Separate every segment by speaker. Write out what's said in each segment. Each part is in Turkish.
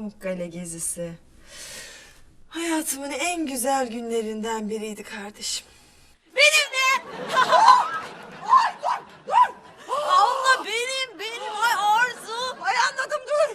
Speaker 1: Pamukkale gezisi. Hayatımın en güzel günlerinden biriydi kardeşim.
Speaker 2: Benim de.
Speaker 1: Ay dur!
Speaker 2: Abla benim. Ay Arzu.
Speaker 1: Ay anladım dur!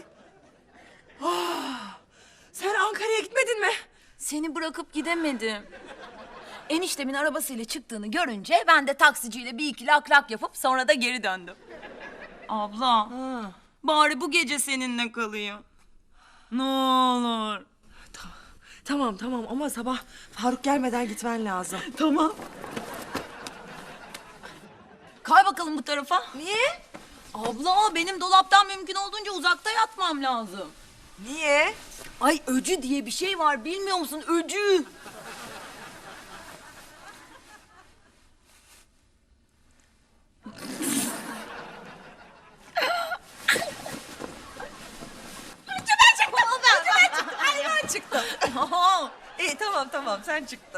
Speaker 1: Sen Ankara'ya gitmedin mi?
Speaker 2: Seni bırakıp gidemedim. Eniştemin arabasıyla çıktığını görünce ben de taksiciyle bir iki lak lak yapıp sonra da geri döndüm. Abla, bari bu gece seninle kalayım. Ne olur.
Speaker 1: Tamam ama sabah Faruk gelmeden gitmen lazım.
Speaker 2: Tamam. Kay bakalım bu tarafa.
Speaker 1: Niye?
Speaker 2: Abla benim dolaptan mümkün olduğunca uzakta yatmam lazım.
Speaker 1: Niye?
Speaker 2: Ay öcü diye bir şey var bilmiyor musun? Öcü.
Speaker 1: Ben çıktım. İyi tamam sen çıktın.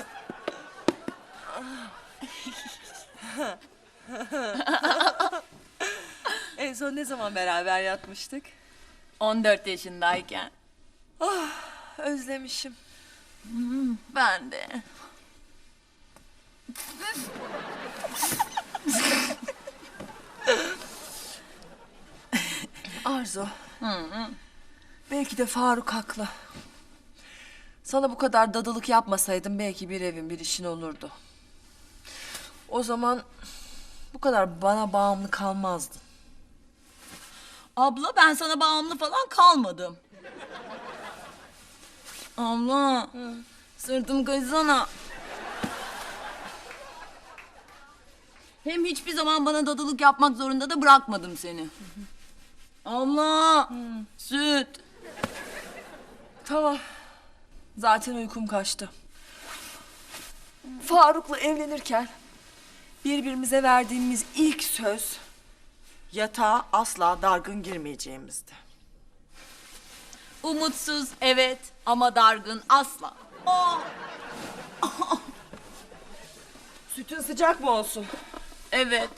Speaker 1: En son ne zaman beraber yatmıştık?
Speaker 2: 14 yaşındayken.
Speaker 1: Özlemişim.
Speaker 2: Ben de.
Speaker 1: Arzu. Belki de Faruk haklı. Sana bu kadar dadılık yapmasaydım belki bir evin bir işin olurdu. O zaman bu kadar bana bağımlı kalmazdın.
Speaker 2: Abla ben sana bağımlı falan kalmadım. Abla. Sırtım kaysana. Hem hiçbir zaman bana dadılık yapmak zorunda da bırakmadım seni. Abla. Süt.
Speaker 1: Tamam. Zaten uykum kaçtı. Faruk'la evlenirken birbirimize verdiğimiz ilk söz yatağa asla dargın girmeyeceğimizdi.
Speaker 2: Umutsuz evet ama dargın asla. Oh.
Speaker 1: Sütün sıcak mı olsun?
Speaker 2: Evet.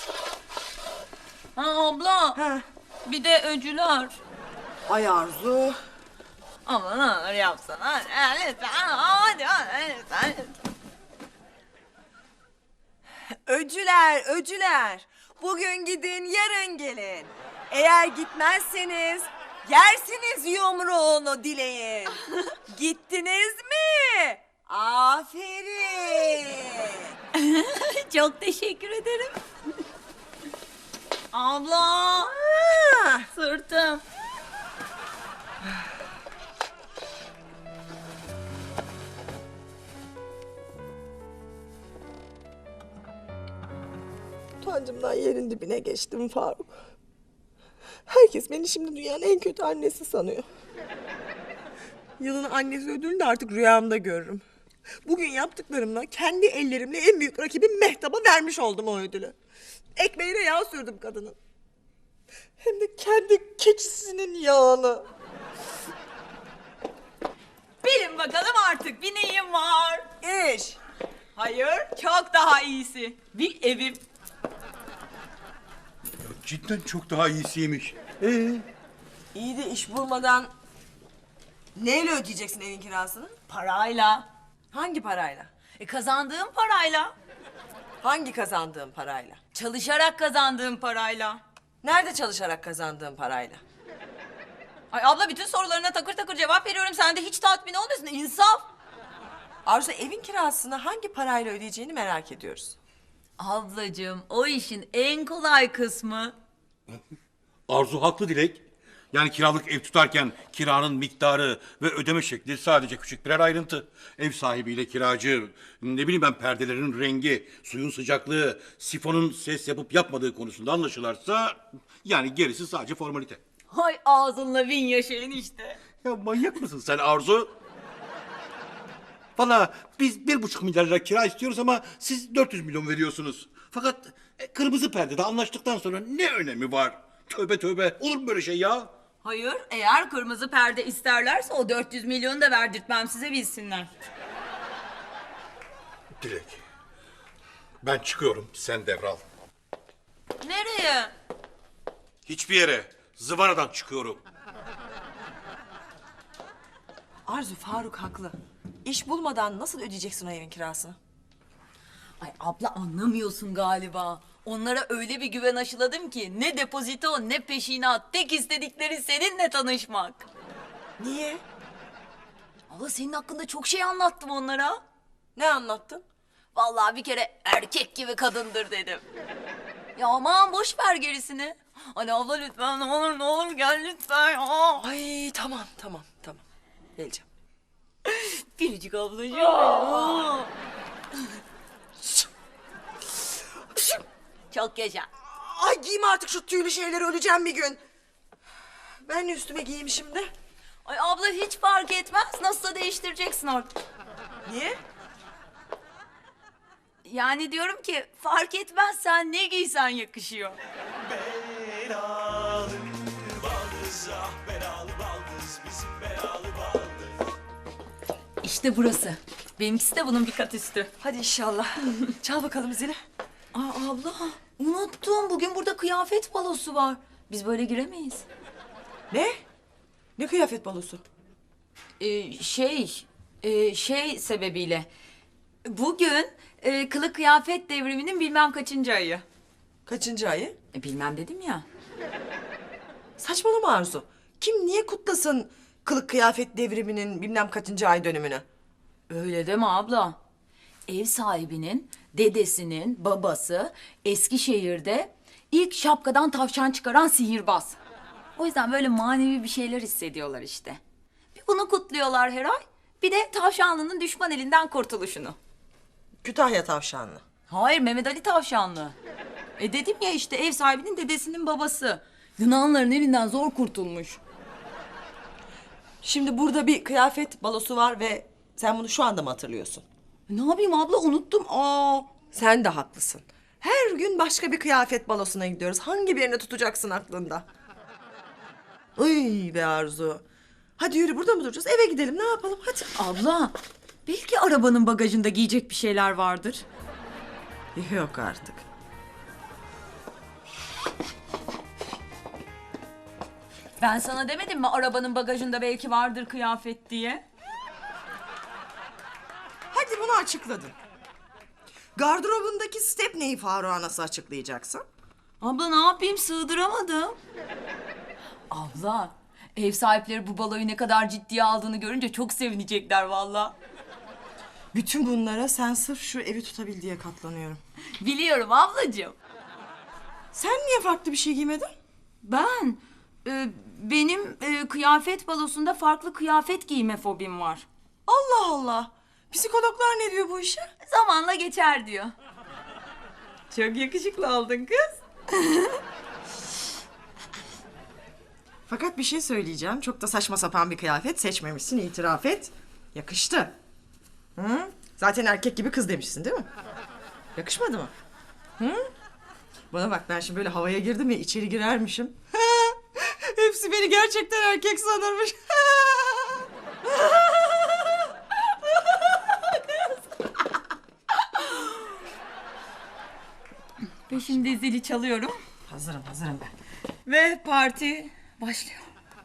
Speaker 2: Ha abla.
Speaker 1: Ha.
Speaker 2: Bir de öcüler.
Speaker 1: Ay Arzu.
Speaker 2: Aman ne olur yapsana. Lütfen. Hadi lütfen.
Speaker 1: Öcüler. Bugün gidin, yarın gelin. Eğer gitmezseniz yersiniz yumruğunu dileyin. Gittiniz mi? Aferin.
Speaker 2: Çok teşekkür ederim. Abla.
Speaker 1: Ha.
Speaker 2: Sırtım.
Speaker 3: Utancımdan yerin dibine geçtim Faruk. Herkes beni şimdi dünyanın en kötü annesi sanıyor. Yılın annesi ödülünü de artık rüyamda görürüm. Bugün yaptıklarımla kendi ellerimle en büyük rakibim Mehtap'a vermiş oldum o ödülü. Ekmeğine yağ sürdüm kadının. Hem de kendi keçisinin yağını.
Speaker 2: Bilin bakalım artık bir neyim var.
Speaker 1: İş.
Speaker 2: Hayır çok daha iyisi. Bir evim.
Speaker 4: Cidden çok daha iyisiymiş.
Speaker 1: İyi de iş bulmadan neyle ödeyeceksin evin kirasını?
Speaker 2: Parayla.
Speaker 1: Hangi parayla?
Speaker 2: Kazandığım parayla.
Speaker 1: Hangi kazandığın parayla?
Speaker 2: Çalışarak kazandığım parayla.
Speaker 1: Nerede çalışarak kazandığın parayla?
Speaker 2: Ay abla bütün sorularına takır takır cevap veriyorum. Sen de hiç tatmin olmuyorsun. İnsaf.
Speaker 1: Arzu evin kirasını hangi parayla ödeyeceğini merak ediyoruz.
Speaker 2: Ablacığım o işin en kolay kısmı.
Speaker 4: Arzu haklı Dilek. Yani kiralık ev tutarken kiranın miktarı ve ödeme şekli sadece küçük birer ayrıntı. Ev sahibiyle kiracı, ne bileyim ben perdelerin rengi, suyun sıcaklığı, sifonun ses yapıp yapmadığı konusunda anlaşılarsa... ...yani gerisi sadece formalite.
Speaker 2: Hay ağzınla bin yaşayın işte.
Speaker 4: Ya manyak mısın sen Arzu? Valla biz 1,5 milyar lira kira istiyoruz ama siz 400 milyon veriyorsunuz. Fakat kırmızı perdede anlaştıktan sonra ne önemi var? Tövbe tövbe, olur mu böyle şey ya?
Speaker 2: Hayır eğer kırmızı perde isterlerse o 400 milyonu da verdirtmem size bilsinler.
Speaker 4: Dilek, ben çıkıyorum, sen devral.
Speaker 2: Nereye?
Speaker 4: Hiçbir yere, zıvanadan çıkıyorum.
Speaker 3: Arzu, Faruk haklı. İş bulmadan nasıl ödeyeceksin o evin kirasını?
Speaker 2: Ay abla anlamıyorsun galiba. Onlara öyle bir güven aşıladım ki ne depozito ne peşinat. Tek istedikleri seninle tanışmak.
Speaker 3: Niye?
Speaker 2: Abla senin hakkında çok şey anlattım onlara.
Speaker 3: Ne anlattın?
Speaker 2: Vallahi bir kere erkek gibi kadındır dedim. Ya aman boş ver gerisini. Hadi abla lütfen ne olur gel lütfen. Aa.
Speaker 3: Ay tamam. Geleceğim.
Speaker 2: Biricik ablacığım. Aa. Çok yaşa.
Speaker 3: Ay giyme artık şu tüylü şeyleri, öleceğim bir gün. Ben ne üstüme giyeyim şimdi?
Speaker 2: Ay abla hiç fark etmez. Nasılsa değiştireceksin artık.
Speaker 3: Niye?
Speaker 2: Yani diyorum ki fark etmez sen ne giysen yakışıyor. İşte burası. Benimkisi de bunun bir kat üstü.
Speaker 3: Hadi inşallah. Çal bakalım zili.
Speaker 2: Aa abla unuttum. Bugün burada kıyafet balosu var. Biz böyle giremeyiz.
Speaker 3: Ne? Ne kıyafet balosu?
Speaker 2: Şey sebebiyle. Bugün kılık kıyafet devriminin bilmem kaçıncı ayı.
Speaker 3: Kaçıncı ayı?
Speaker 2: Bilmem dedim ya.
Speaker 3: Saçmalama Arzu. Kim niye kutlasın kılık kıyafet devriminin bilmem kaçıncı ay dönümünü?
Speaker 2: Öyle deme abla. Ev sahibinin, dedesinin, babası Eskişehir'de ilk şapkadan tavşan çıkaran sihirbaz. O yüzden böyle manevi bir şeyler hissediyorlar işte. Bir bunu kutluyorlar her ay. Bir de tavşanlının düşman elinden kurtuluşunu.
Speaker 3: Kütahya tavşanlı.
Speaker 2: Hayır Mehmet Ali Tavşanlı. Dedim ya işte ev sahibinin dedesinin babası. Yunanların elinden zor kurtulmuş.
Speaker 3: Şimdi burada bir kıyafet balosu var ve sen bunu şu anda mı hatırlıyorsun?
Speaker 2: Ne yapayım abla unuttum.
Speaker 3: Sen de haklısın. Her gün başka bir kıyafet balosuna gidiyoruz. Hangi birini tutacaksın aklında? Ay be Arzu. Hadi yürü, burada mı duracağız? Eve gidelim, ne yapalım hadi.
Speaker 2: Abla belki arabanın bagajında giyecek bir şeyler vardır.
Speaker 3: Yok artık.
Speaker 2: Ben sana demedim mi arabanın bagajında belki vardır kıyafet diye?
Speaker 3: Hadi bunu açıkladın. Gardırobundaki Stepney'i Faruk'a nasıl açıklayacaksın?
Speaker 2: Abla ne yapayım sığdıramadım. Abla ev sahipleri bu baloyu ne kadar ciddiye aldığını görünce çok sevinecekler vallahi.
Speaker 3: Bütün bunlara sen sırf şu evi tutabil diye katlanıyorum.
Speaker 2: Biliyorum ablacığım.
Speaker 3: Sen niye farklı bir şey giymedin?
Speaker 2: Ben benim kıyafet balosunda farklı kıyafet giyme fobim var.
Speaker 3: Allah Allah. Psikologlar ne diyor bu işe?
Speaker 2: Zamanla geçer diyor. Çok yakışıklı oldun kız.
Speaker 3: Fakat bir şey söyleyeceğim. Çok da saçma sapan bir kıyafet seçmemişsin, itiraf et. Yakıştı. Hı? Zaten erkek gibi kız demişsin değil mi? Yakışmadı mı? Hı? Bana bak, ben şimdi böyle havaya girdim ya, içeri girermişim. Hepsi beni gerçekten erkek sanırmış.
Speaker 2: Ve şimdi zili çalıyorum.
Speaker 3: Hazırım ben.
Speaker 2: Ve parti başlıyor.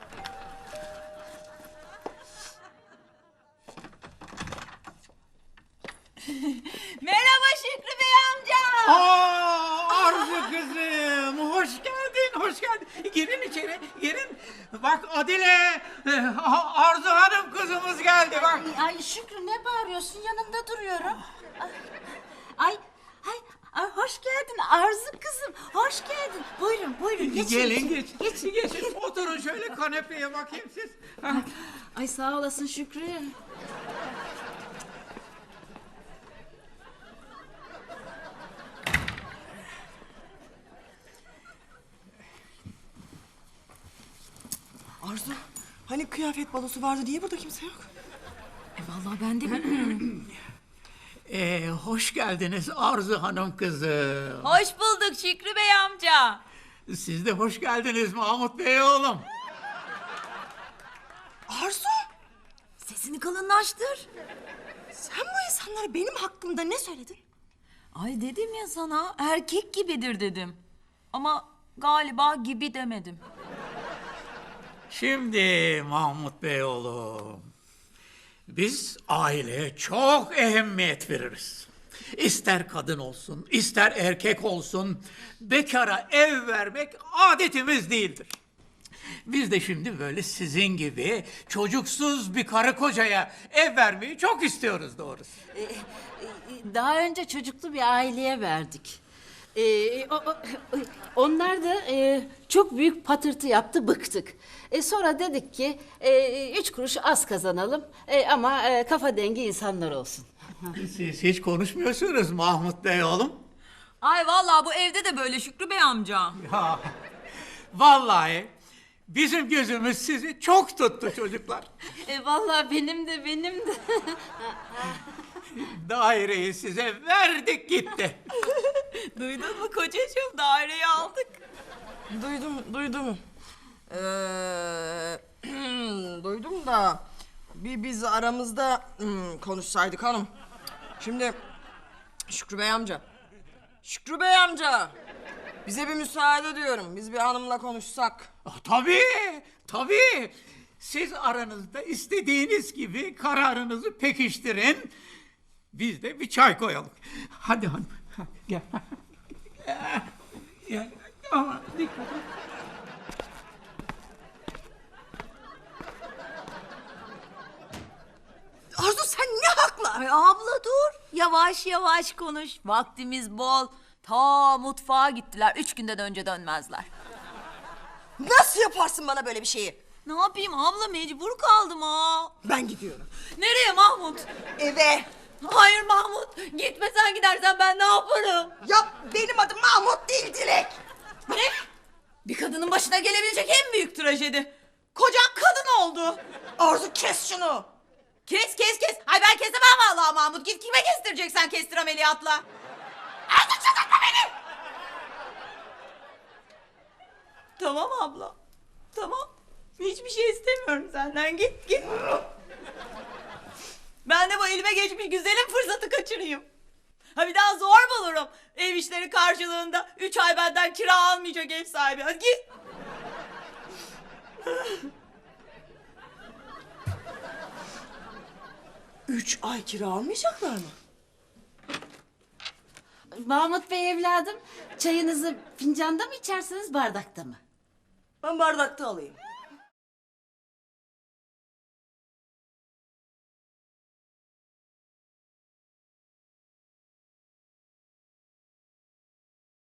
Speaker 2: Merhaba Şükrü Bey amca.
Speaker 5: Arzu kızım, hoş geldin. Girin içeri, girin. Bak Adile, Arzu Hanım kızımız geldi bak.
Speaker 6: Ay Şükrü ne bağırıyorsun? Yanında duruyorum. Ay, hoş geldin Arzu kızım. Hoş geldin. Buyurun geçin.
Speaker 5: Gelin geçin. Oturun şöyle kanepeye bakayım siz.
Speaker 6: Ay sağ olasın Şükrü.
Speaker 3: Arzu, hani kıyafet balosu vardı, niye burada kimse yok?
Speaker 2: Vallahi ben de bilmiyorum.
Speaker 5: Hoş geldiniz Arzu Hanım kızım.
Speaker 2: Hoş bulduk Şükrü Bey amca.
Speaker 5: Siz de hoş geldiniz Mahmut Bey oğlum.
Speaker 3: Arzu,
Speaker 2: Sesini kalınlaştır.
Speaker 3: sen bu insanlara benim hakkımda ne söyledin?
Speaker 2: Ay dedim ya sana erkek gibidir dedim. Ama galiba gibi demedim.
Speaker 5: Şimdi Mahmut Bey oğlum. Biz aileye çok ehemmiyet veririz. İster kadın olsun, ister erkek olsun, bekara ev vermek adetimiz değildir. Biz de şimdi böyle sizin gibi çocuksuz bir karı kocaya ev vermeyi çok istiyoruz doğrusu.
Speaker 6: Daha önce çocuklu bir aileye verdik. Onlar da çok büyük patırtı yaptı, bıktık. Sonra dedik ki 3 kuruş az kazanalım ama kafa dengi insanlar olsun.
Speaker 5: Siz hiç konuşmuyorsunuz Mahmut Bey oğlum.
Speaker 2: Ay vallahi bu evde de böyle Şükrü Bey amca.
Speaker 5: Ya, vallahi bizim gözümüz sizi çok tuttu çocuklar.
Speaker 6: Vallahi benim de.
Speaker 5: Daireyi size verdik gitti.
Speaker 2: Duydun mu kocacığım, daireyi aldık.
Speaker 3: Duydum. Duydum da biz aramızda konuşsaydık hanım. Şimdi Şükrü Bey amca. Bize bir müsaade diyorum. Biz bir hanımla konuşsak.
Speaker 5: Tabii. Siz aranızda istediğiniz gibi kararınızı pekiştirin. Biz de bir çay koyalım. Hadi hanım. Gel. Gel. Ama dikkat et.
Speaker 3: Arzu sen ne hakla?
Speaker 2: Ay abla dur. Yavaş yavaş konuş. Vaktimiz bol. Ta mutfağa gittiler. 3 günden önce dönmezler.
Speaker 3: Nasıl yaparsın bana böyle bir şeyi?
Speaker 2: Ne yapayım abla, mecbur kaldım ha.
Speaker 3: Ben gidiyorum.
Speaker 2: Nereye Mahmut?
Speaker 3: Eve.
Speaker 2: Hayır Mahmut. Gitme, sen gidersen ben ne yaparım?
Speaker 3: Ya benim adım Mahmut değil Dilek.
Speaker 2: Ne? Bir kadının başına gelebilecek en büyük trajedi. Kocan kadın oldu.
Speaker 3: Arzu kes şunu.
Speaker 2: Kes. Ay ben kesemem vallahi Mahmut. Git kime kestireceksen kestir ameliyatla. Artık çıldırtma beni. Tamam abla. Tamam. Hiçbir şey istemiyorum senden. Git. Ben de bu elime geçmiş güzelim fırsatı kaçırayım. Ha bir daha zor bulurum. Ev işleri karşılığında 3 ay benden kira almayacak ev sahibi. Hadi git.
Speaker 3: Üç ay kira almayacaklar mı?
Speaker 6: Mahmut Bey evladım, çayınızı fincanda mı içersiniz, bardakta mı?
Speaker 3: Ben bardakta alayım.